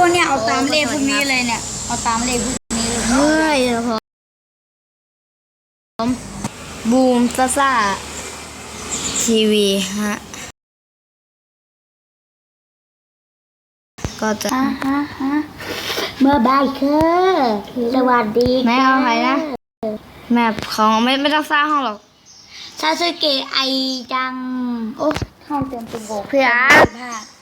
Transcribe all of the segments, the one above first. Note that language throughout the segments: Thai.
คนเนี่ยเอาตามเลขพวกนี้เลยเนี่ยเอาตามเลขพวกนี้เลยเฮ้ยผมบูมซ่าทีวีฮะก็จะเมื่อบ่ายคือสวัสดีแม่เอาใครนะแม่ของไม่ต้องสร้างห้องหรอกซาสึเกะไอจังโอ้ห้องเต็มเป็นโบกพี่อาร์ต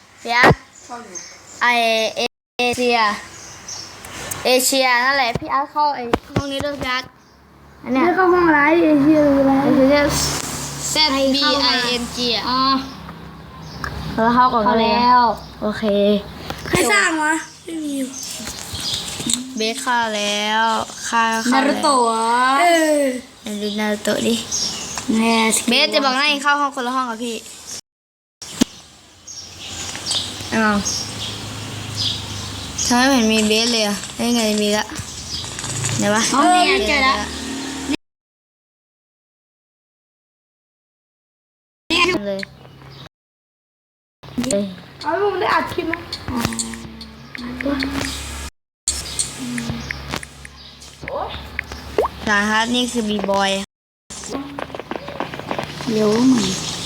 ไอเอเชียนั่นแหละพี่อาร์ตเข้าไอห้องนี้ด้วยพี่อาร์ตอันเนี้ยเข้าห้องอะไรเอเชียอะไรเอเชีย ZBING อ๋อเราเข้าก่อนแล้วโอเคใครสร้างวะไม่มีเบสเข้าแล้วนารุโตะดูนารุโตะดิเบสจะบอกนั่งเข้าห้องคนละห้องกับพี่อ้าวทำไมไม่เห็นมีเบสเลยอ่ะได้ไงมีละเดี๋ยววะเนี่ยเจอแล้วเลยเอาลูกได้อัดคลิปไหมสาฮัทนี่คือบีบอยเร็วมั้ง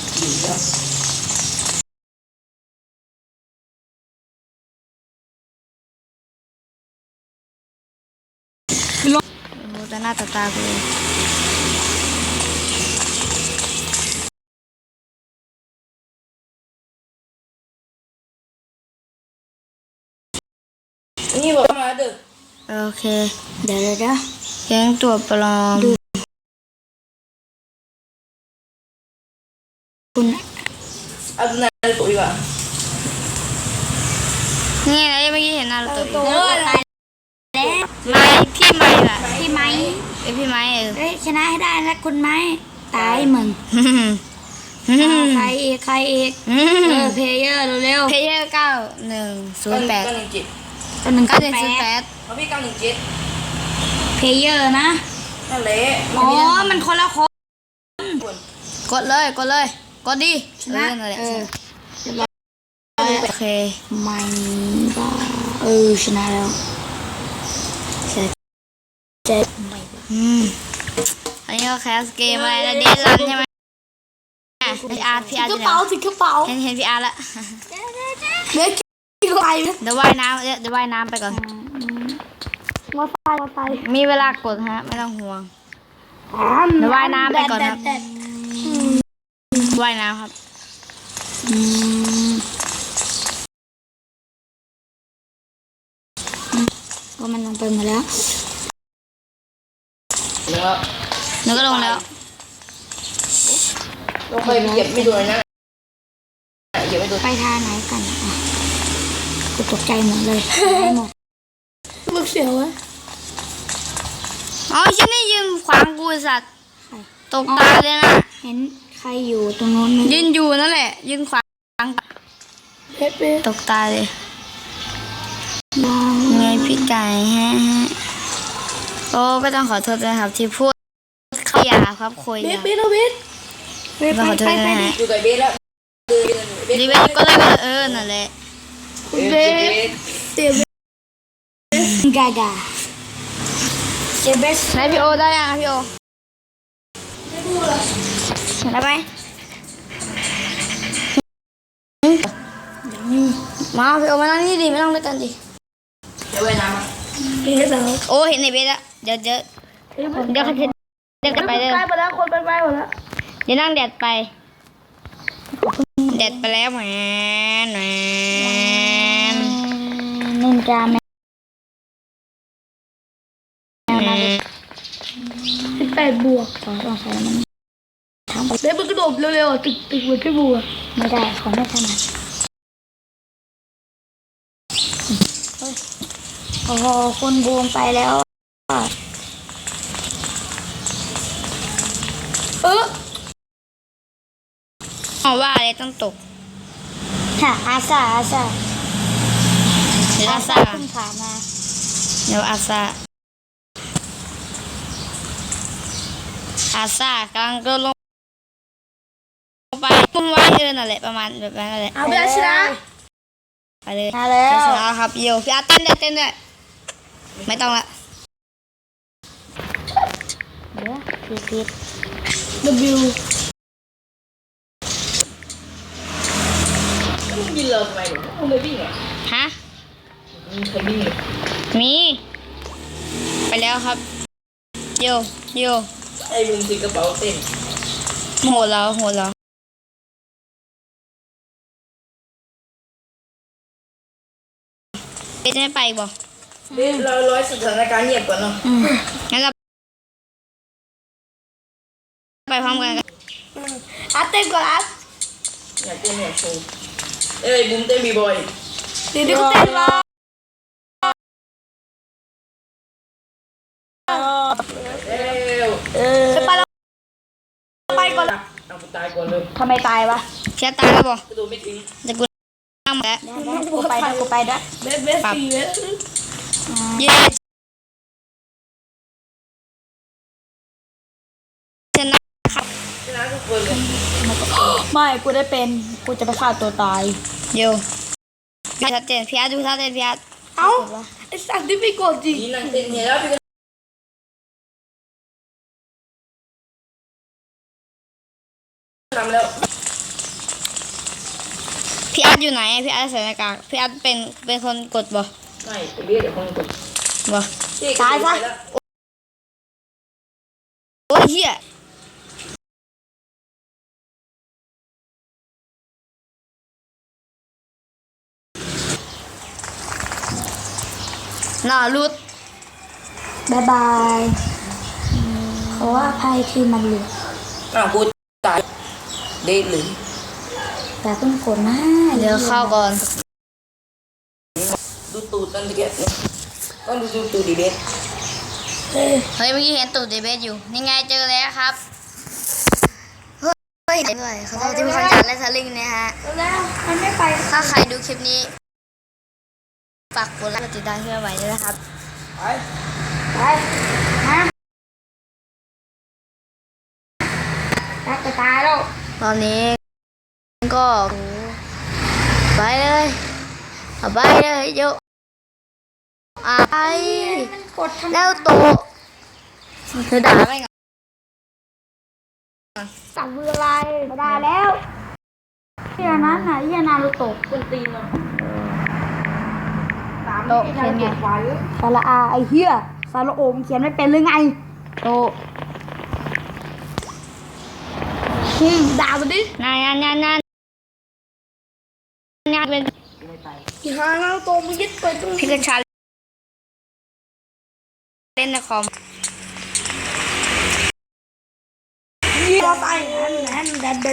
โอ้แต่หน้าตาเลยนี่บอกมาเด้อโอเคเดี๋ยวแก๊งตัวปลอมคุณเอาดูนารูโตะดีกว่านี่ไงเมื่อกี้เห็นนารูโตะตายแล้วพี่ไม้ล่ะพี่ไม้พี่ไม้ชนะให้ได้นะคุณไม้ตายมึงใครอีกเพย์เยอร์เร็วเพย์เยอร์9108 9108เอาพี่917 เพย์เยอร์นะนั่นแหละอ๋อมันคนละคนกดเลยกดดินั่นแหละโอเคไม่บ้าชนะแล้วเจ็บไม่อันนี้ก็แคสเกมอะไรนะเดนรันใช่ไหมพี่อาร์ถือกระเป๋าเห็นพี่อาร์ละเดี๋ยวเดี๋ยวว่ายน้ำไปก่อนมาไฟมีเวลากดฮะไม่ต้องห่วงเดี๋ยวว่ายน้ำไปก่อนครับว่ายน้ำครับก็มันลงไปหมดแล้วหนูก็ลงแล้วลงไปเหยียบไม่โดนนะเหยียบไม่โดนไปทางไหนกันกูตกใจหมดเลยหมดลูกเสียวะอ๋อฉันนี่ยืนขวางกูสัตว์ตกตาเลยนะเห็นใครอยู่ตรงโน้นยืนอยู่นั่นแหละยืนขวางตกตาเลยไงพี่ไก่ฮะโอ้ก็ต้องขอโทษนะครับที่พูดขยาครับคุยเบสต้องขอโทษนะฮะอยู่กับเบสแล้วรีเวทก็เลยนั่นแหละเบสกาเบสไหนพี่โอได้ยังพี่โอได้ไหมมาพี่โอมานั่งนี่ดิไม่นั่งด้วยกันดิเดี๋ยวไปน้ำเบสแล้วโอ้เห็นในเบสแล้วเดี๋ยวเขาจะเดินไปเลยไปหมดแล้วคนไปหมดแล้วเดี๋ยวนั่งแดดไปแล้วแหมนินจาแม18 บวกต้องใช้มันทำเบสมันกระโดดเร็วๆตึกเหมือนพี่บัวไม่ได้ของไม่ถนัดโอ้โหคนบูมไปแล้วว่าอะไรต้องตกค่ะอาซาเดี๋ยวขึ้นขามาเดี๋ยวอาซากำลังโดนลงไปพุ่งไว้นั่นแหละประมาณแบบนั้นแหละเอาไปชนะไปเลยมาแล้วช้าๆครับโยพี่อาร์ตเต้นด้วยไม่ต้องละเดี๋ยวผิด W มึงยินเราทำไมหนูมึงเลยวิ่งอ่ะฮะมึงเคยวิ่งเลยมีไปแล้วครับโยไอ้มึงถือกระเป๋าเต้นโหดแล้วเบสไม่ไปบ่เดี๋ยวเราร้อยสถานการณ์เงียบก่อนเนาะงั้นเราไปพร้อมกันอาเต้นก่อนอาอยากเต้นอยากโชว์เอ้ยบุ้มเต้นบีบอยเดี๋ยวเขาเต้นรอเร็วไปแล้วไปก่อนเอากูตายก่อนเลยทำไมตายวะเชียร์ตายแล้วบ่กระโดดไม่ถึงแต่กูนั่งมาแล้วกูไปด้วยเบสตีเบสเย้ชนะครับชนะทุกคนเลยไม่กูได้เป็นกูจะไปฆ่าตัวตายโยพี่ชัดเจนพี่อาร์ตดูชัดเจนพี่อาร์ตเอ้าไอสัตว์ที่ไม่กดจริงนี่นั่งเต้นเนี่ยแล้วพี่ก็ทำแล้วพี่อาร์ตอยู่ไหนพี่อาร์ตใส่หน้ากากพี่อาร์ตเป็นคนกดบ่ไม่ไอ้เบสเดี๋ยวคนกดบ่ตายซะโอ้ยเหี้ยน่ารุดบายบายเขาว่าภัยที่มันเหลืออ้าวกูตายเด็ดเลยแต่เพิ่งกดนะเดี๋ยวเข้าก่อนดูตูดนั่นตะเกียบเนี่ยต้องดูตูดดิเบสเฮ้ยเมื่อกี้เห็นตูดเดเบสอยู่นี่ไงเจอแล้วครับเฮ้ยด้วยเขาจะที่มีคนจัดและสลิงเนี่ยฮะแล้วมันไม่ไปถ้าใครดูคลิปนี้ฝากกดไลค์กดติดตามเพื่อไว้ด้วยนะครับไปไปฮะรักจะตายแล้วตอนนี้ก็ไปเลยเอาไปเลยโยไปมันกดทำแล้วโตะเธอด่าไปก่อนสั่งเวลาไม่ได้แล้วเฮียนั้นน่ะเฮียนารูโตะคนตีนเนาะโตะเขียนไงสาระอาไอเฮียสาระโอมเขียนไม่เป็นหรือไงโตะด่ามันดินานเป็นอีหานารูโตะมันยึดไปตรงพี่กัญชาเล่นในคอมนี้เราไปนั่น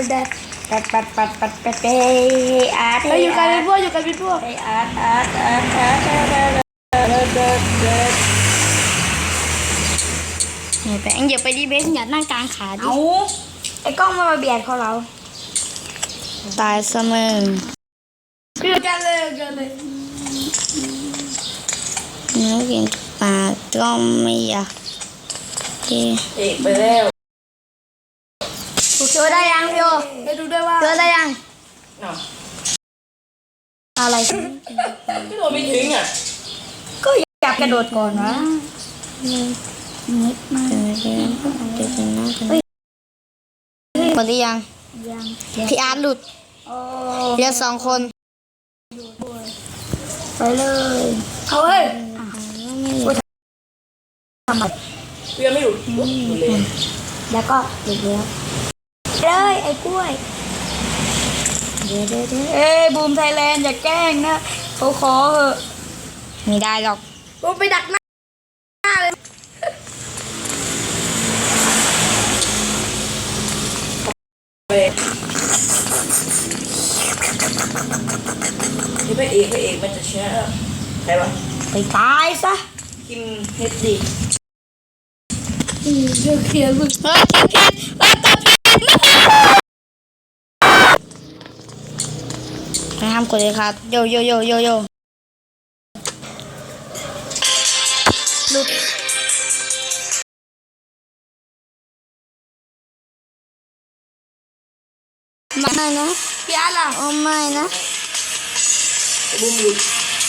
ปัดอาร์ตอยู่กันเป็นพวกไออาร์ตเนี่ยไปเอ็งอย่าไปดีเบสอย่านั่งกลางขาดิเอาไอ้กล้องมาเบียดเขาเราตายเสมอเกิดกันเลยเนื้อกินปลาก็ไม่อยากกินเอกไปแล้วเจอได้ยังพี่โอไปดูด้วยว่าเจอได้ยังเนาะอะไรกระโดดไม่ถึงอ่ะก็อยากกระโดดก่อนนะนิดมากหมดหรือยังยังพี่อาร์ตหลุดโอ้เหลือ2 คนไปเลยเขาเฮ้ยทำไมเพื่อนไม่หลุดหลุดเลยแล้วก็หยุดแล้วเลยไอ้กล้วยเดี๋ยวเอ้ยบูมไทยแลนด์อย่าแกล้งนะเขาขอเหอะไม่ได้หรอกบูมไปดักหน้าเลยนี่พระเอกมันจะชนะใครวะไปตายซะคิมเฮดดีเดี๋ยวเคลียร์มึงเฮ้ยเก็บแล้วก็ไม่ห้ามกดเลยครับโยหลุดไม่นะพี่อาร์ตล่ะโอ้ไม่นะบูมหลุด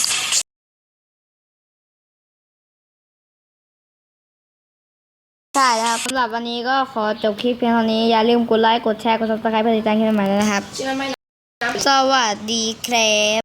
ใช่แล้วครับสำหรับวันนี้ก็ขอจบคลิปเพียงเท่านี้อย่าลืมกดไลค์กดแชร์กด subscribe เพื่อติดตามคลิปใหม่ๆด้วยนะครับใช่ไหมสวัสดีครับ